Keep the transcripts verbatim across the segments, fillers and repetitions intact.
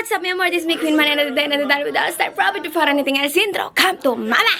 what's up, my amor? This is me, Queen Man, and today, and today, without start profit before anything else, intro, come to mama!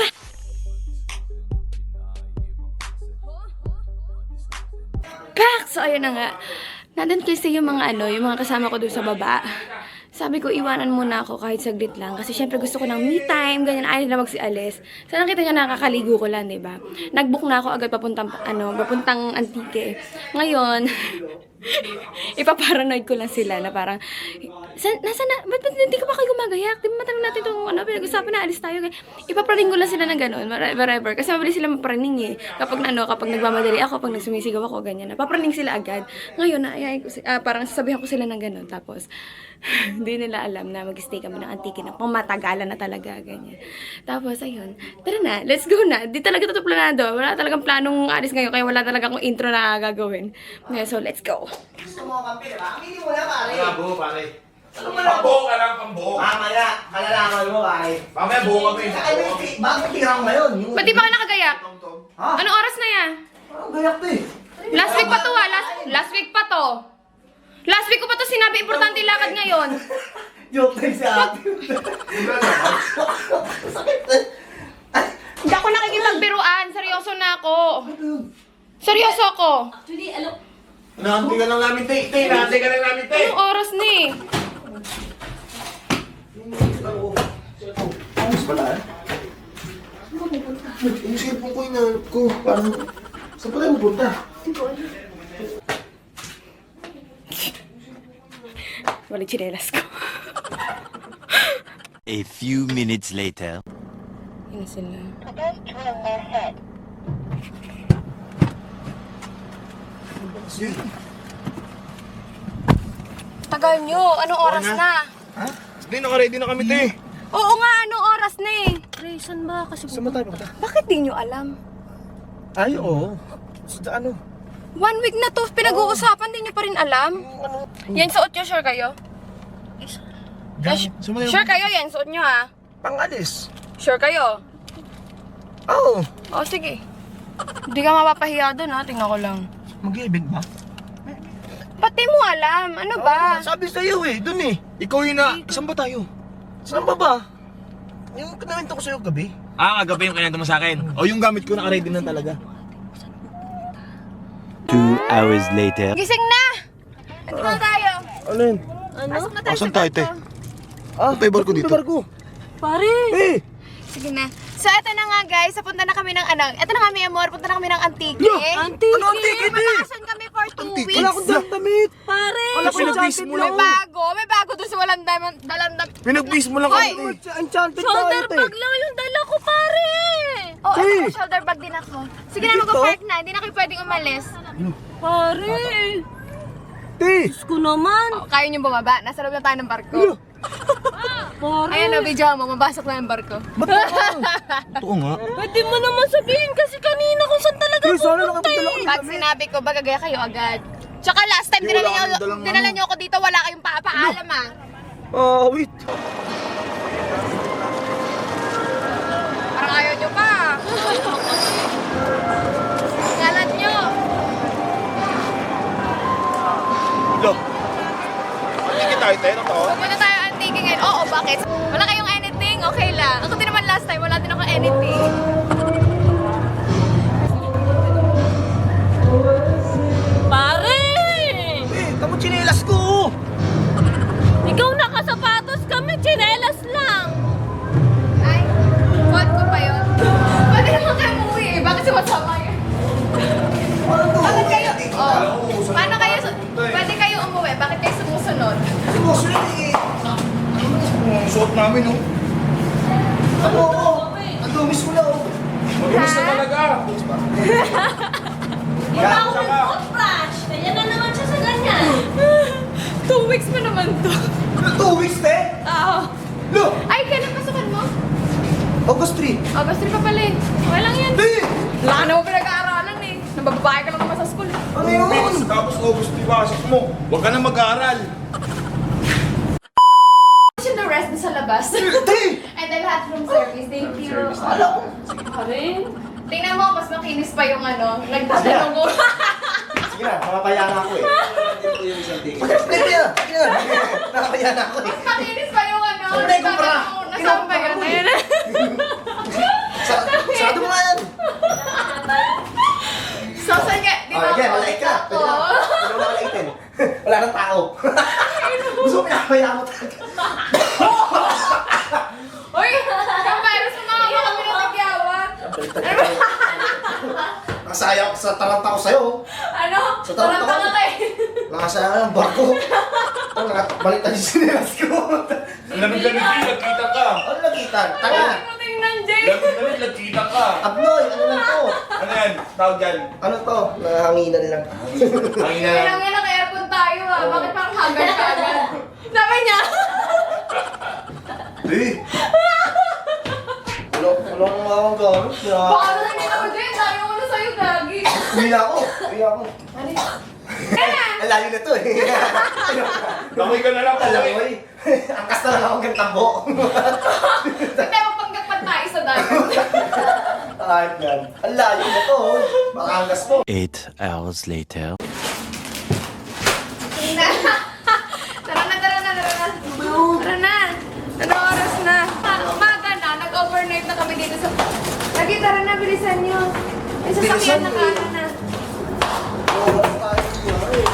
Pak! So, ayun na nga. Nandun kasi yung mga ano, yung mga kasama ko doon sa baba. Sabi ko, iwanan muna ako kahit saglit lang. Kasi syempre gusto ko ng me time, ganyan, ayaw na magsialis. So, nakita niya nakakaligo ko lang, diba? Nag-book na ako agad papuntang, ano, papuntang Antique. Ngayon, ipaparanoid ko lang sila na parang, nasa na, ba't, ba't hindi ko pa kayo gumagayak? Di ba matanong natin itong, ano, pinag-usapan na, alis tayo. Ipapraning ko lang sila ng gano'n, whatever. Kasi mabilis sila mapraning eh. Kapag, ano, kapag nagmamadali ako, pag nagsumisigaw ako, ganyan na. Papraning sila agad. Ngayon, naayay ko, uh, parang sasabihan ko sila ng gano'n. Tapos, hindi nila alam na mag-stay kami ng Antique na pumatagalan na talaga, ganyan. Tapos, ayun, tara na, let's go na. Di talaga ito planado. Wala talagang planong alis ngayon, kaya wala talaga akong intro na gagawin. Okay, so, let's go. Gusto mo kampi, diba? Aminin mo na, pare. Pambuho, pare. Ano ba na? Pambuho ka lang, pambuho. Mamaya, kalalaman mo, pare. Mamaya buho kami. Sa ano yung ti- bagong tirang ngayon? Yung... Ba't di pa ka nakagayak? Ha? Anong oras na yan? Parang gayak to eh. Last week pa to ah, last, last week pa to. Last week ko pa to sinabi, importante yung lakad ngayon. Joke lang si ate. Sakit eh. Hindi ako nakikipagbiruan, seryoso na ako. Seryoso ako. Actually, alam, Nahanti ka lang namin, te. Te, nahanti ka lang namin, te. Anong oras na eh? Ayos pala eh. Yung cellphone ko, inahanap ko. Parang, saan pa tayo pupunta? Walang chinelas ko. A few minutes later. Yun na sila. Tagal nyo, anong oras Oo na. na? Ha? Hindi, naka-ready na kami, te. Oo nga, anong oras na eh? Ray, saan ba? Kasi Saan ba tayo pupunta? Bakit di nyo alam? Ay, oo. Sa ano? One week na to, pinag-uusapan, di nyo pa rin alam? Yan suot nyo, sure kayo? Gamit. Sumayo. Sure kayo, yan suot nyo ha? Pangalis. Sure kayo? Oo. O sige. Hindi ka mapapahiya doon ha, tingnan ko lang. Mag-event ba? Pati mo alam, ano ba? Sabi sa'yo eh, dun eh. Ikaw yun na. Saan ba tayo? Saan ba ba? Yung kinawento ko sa'yo gabi. Ah, kagabi yung kinawento mo sa akin. O yung gamit ko naka-ready na talaga. Two hours later. Gising na! Ito na tayo. Ano yun? ano? Pasok na tayo Asan sa tayo, te? kwarto. Ah, tayo barko dito. Barko. Pare! Eh! Sige na. So, eto na nga guys, punta na kami ng ano, eto na nga may amor, punta na kami ng Antique. Antique! Ano Antique? Magbakasyon kami for two Antique? weeks. Wala akong dalang damit. Pare! Wala ko pinag-base mo lang May ako. bago, may bago doon sa walang dalang dalang dam. Pinag-base mo lang Hoy! ako. Enchanted Shoulder bag lang yung dala ko, pare! Oh, Hey! eto, shoulder bag din ako. Sige na, mag-park na, hindi na kayo pwedeng umalis. Pare! Te! Diyos ko naman! Oh, kaya niyo bumaba, nasa loob na tayo ng barko. Pare! Ayan o, video mo, mabasok na yung barko. Ba't ako? Totoo nga. Pwede mo naman sabihin kasi kanina kung saan talaga Eh, sana pupunta nakapagdala eh. ko. Pag sinabi ko, bagagaya kayo agad. Tsaka last time, Hindi, dinala wala niyo, kang dalang dinala ano. niyo ako dito, wala kayong papaalam ah. Ah, wait. Parang ayaw niyo pa. Galat niyo. Lo. Antique tayo, te. Ano to? Pupunta tayo Antique ngayon. Oo, bakit? Wala kayong anything? Okay lang. Ako din naman last time, wala din ako anything. Pare! Eh, tamo chinelas ko. Ikaw nakasapatos kami, tsinelas lang! Ay, fault ko pa yun. Pwede naman kayo umuwi eh. Bakit sumasama yun? Bakit kayo? Oh, paano kayo? Pwede kayo umuwi. Bakit kayo sumusunod? Sumusunod eh. Ang suot namin, oh. Ano ako? Ang dumis mo na oh. Magulis na talaga. Iba ako nag-flash! Kaya na naman siya sa ganyan! Two weeks pa naman to. Two weeks, te? Oo. Lo! Ay, kailan pasukan mo? August three. August three pa pala eh. Okay lang yan. Te! Wala ka naman pinag-aaralan eh. Nabababae ka lang naman sa school eh. Ano yun? Weeks, tapos August, di pasok mo. Huwag ka na mag-aaral. Should the rest sa labas. Te! And then lahat room service. Thank you. Akala ko. Pare! Tingnan mo, mas makinis pa yung ano. Nagtatanong ko. Sige na, mamapaya na ako eh. Ito yung isang tingin. Sige na, sige na. nakakaya na ako eh. Makinis pa yung ano. Hindi, kumpara. Nasaan ba yun? Ayun na. Sa, sarado mo nga yan. So, saan nga? Dito Oh, yan, ako. malait ka. Dito Pwede na. ako. Pwede mo na malaitin. Wala nang tao. Gusto mo pinakapaya mo talaga. Uy! Yung virus mo mga kami ng nagyawat. Nakasaya ko sa taranta ko sa'yo. Ano? Sa Parang taranta tanga ko. ka eh. Nakasaya na ng barko. Oh, nakabalik tayo sa sinelas ko. Ang lamig-lamig din, nagkita ka. Ano nakita? Tanga. Hindi mo tingnan, Jay. Lamig-lamig, nagkita ka. Abnoy, ano lang to? Ano yan? Tawag dyan. Ano to? Nahanginan lang. Ang ina. Kailangan nga naka-aircon tayo ah. Bakit parang haggard ka agad? Sabi niya. Eh! Wala, wala kang makakang gamit niya. Baka na hindi ako, Jay. Tayo ko na sa'yo, gagi. Uwi na ako. Uwi na ako. Ano yun? Kaya! Ang layo na to eh. Bakoy ka na lang. Alam bakoy. mo eh. Angkas na lang akong gantambo. Hindi mo panggakpan tayo sa dagat. Kahit yan. Ang layo na to. oh. Baka angkas mo. Eight hours later. Tara na, tara na, tara na. Tara na. Ano oras na? Ah, umaga na. Nag-overnight na kami dito sa... Lagi, tara na, bilisan nyo. May sasakyan na kala na. Oras tayo niya eh.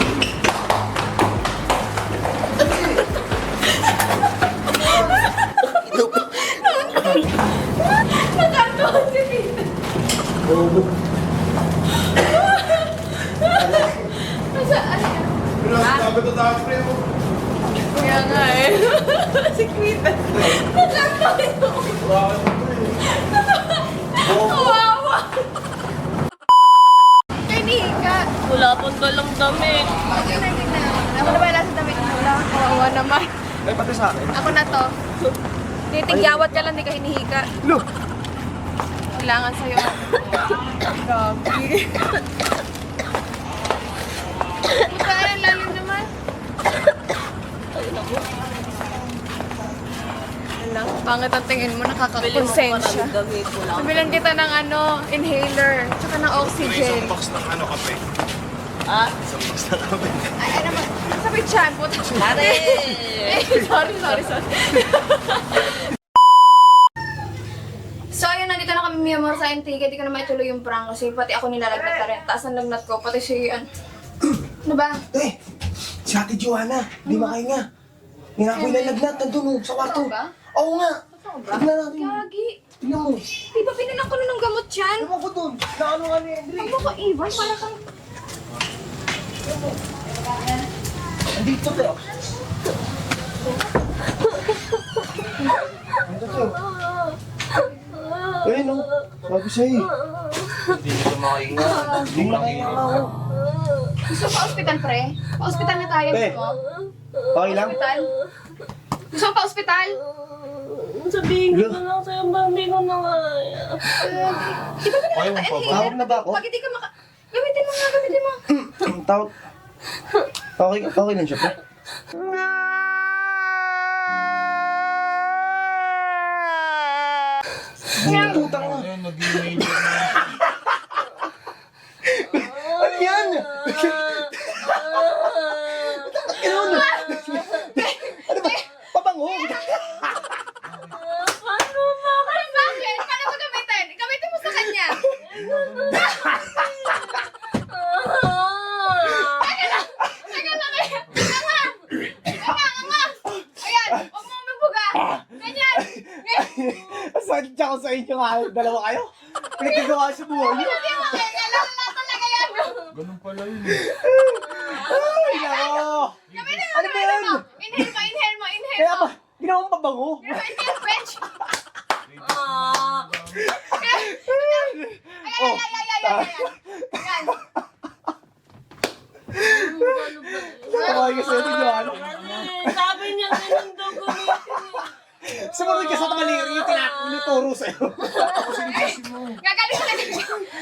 Nagkantuhan si Pita. Bobo. Nasa, ano yan? Sabi ko sa pre mo. Kaya nga eh. Si Pita. Nagkantuhan ko. Kawawa. Kay Nika. Wala pang dalang damit. Tingnan, tingnan. Ako na ba sa damit mo lang? Kawawa naman. Ay, pati sa akin. Ako na to. Titigyawat ka lang, di ka hinihika. No. Kailangan sa'yo. Grabe. Puta, ang lalim naman. Alam, pangit ang tingin mo, nakakakonsensya. damit. Wala Sabilan kita ng ano, inhaler, tsaka ng oxygen. box ng ano kape. Ah? Isang box ng kape. Ay, ano ba? Sabi chan, puta. Ate! Eh, sorry, sorry, sorry. So, ayun, nandito na kami Mia Mor sa Antigua. Di ko na maituloy yung prank kasi pati ako nilalagnat na rin. Taas ang lagnat ko, pati si... An... Ano ba? Eh, si Ate Joanna. Di makahinga. Hindi na ako ilalagnat. Nandun oh, sa kwarto. Totoo ba? Oo nga. Totoo ba? Tignan natin. Gagi. Tignan mo. Di ba pinalang ko na ng gamot yan? Ewan ko dun. Naano nga ni Andre. Huwag mo ko iwan, para kang... Andito tayo. Andito tayo. Eh, no. Sabi sa'yo. Hindi nito makainga. Hindi makahinga nga ako. Gusto pa ospital, pre? Pa-ospital na tayo, Pre. gusto mo? Okay lang? Ospital? Gusto mo pa-ospital? Sabihin ko na lang sa'yo, ba hindi ko na kaya. Di ba Ayaw mo pinaka pa ba? Tawag na ba ako? Pag hindi ka maka... Gamitin mo nga, gamitin mo. Tawag. Okay, okay lang siya, pre. Kaya- Putang na. Ayun, nag-email na. Ano yan? Ganun. Ano ba? Pabango. Paano ba? Ay, bakit? Paano mo gamitin? Gamitin mo sa kanya. Teka lang! Teka lang! Teka lang! Teka lang! Nga! Ayan! Huwag mo mabuga! Ganyan! Ganyan! Sakit siya ko sa inyo nga. Dalawa kayo. Pinagkagawa sa buhay niyo. Hindi mo kaya! Alam mo na talaga yan! Ganun pala yun eh. Ay, nako. Gamitin mo! Ano ba yan? mo! Inhale mo! Inhale mo! Inhale Kaya mo! ba? Ginawa mo pabango. Inhale, French! Ah! Oh. Ay, ay, ay, ay, ay, ay! Yan! Nakakaway ka sa'yo, Joanna. Kasi sabi niya ganun daw gamitin. Sumunod ka sa tamaliri yung tinuturo sa'yo. Gagaling ka na dyan!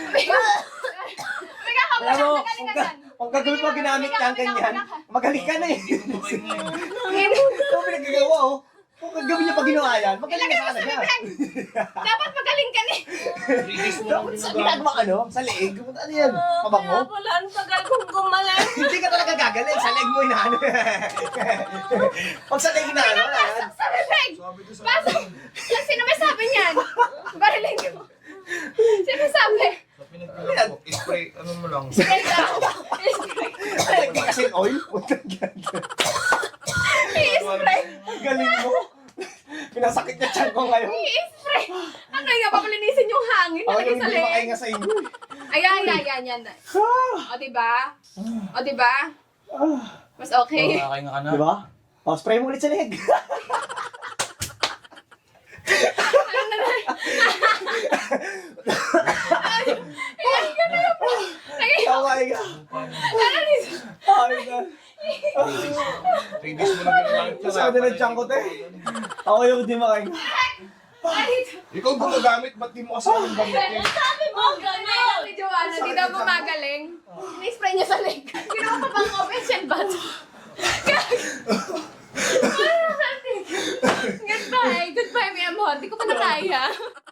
May kakabla Alam mo, ka! kung, ka, kung gagawin pa ginamit ka ang ganyan, magaling ka na eh. Ito ang pinaggagawa oh. Kung gabi niya pa ginawa yan, magaling Ilagay na mo sana sa niya. bibig! Dapat magaling ka ni! Dapat sa ginagawa ka, no? Sa leeg, ano yan? Kaya Pabango? pala, ang tagal kong gumalan. Hindi ka talaga gagaling, sa leeg mo inaano. Pag sa leeg inaano, wala yan. Pasok sa bibig! Pasok! Yan, sino may sabi niyan? Barilin ko. Sino sabi? Spray, ano mo lang. Spray daw. Spray. Lagyan kasi ng oil. Putang ganda. I-spray. Galing mo. Pinasakit niya tiyan ko ngayon. I-spray. Ano nga, papalinisin yung hangin. Ako Nalagay yung sa hindi leeg. makahinga sa inyo. Ayan, ayan, ayan, yan. O, diba? O, diba? Mas okay. Nakakainga ka na. Di ba? O, spray mo ulit sa leeg. Ayan, ganun na po. Lagay Oh my God. Oh my God. Three days mo na ginagamit yun. Sabi na tiyan ko, te. Ako yung hindi makahinga. Ikaw gumagamit, ba't di mo kasi yung gamit yun? Sabi mo, gano'n. Si Joanna, di daw gumagaling. Ini-spray niya sa leg. Ginawa pa pang official bat. Goodbye. Goodbye, mi amor. Di ko pa na kaya.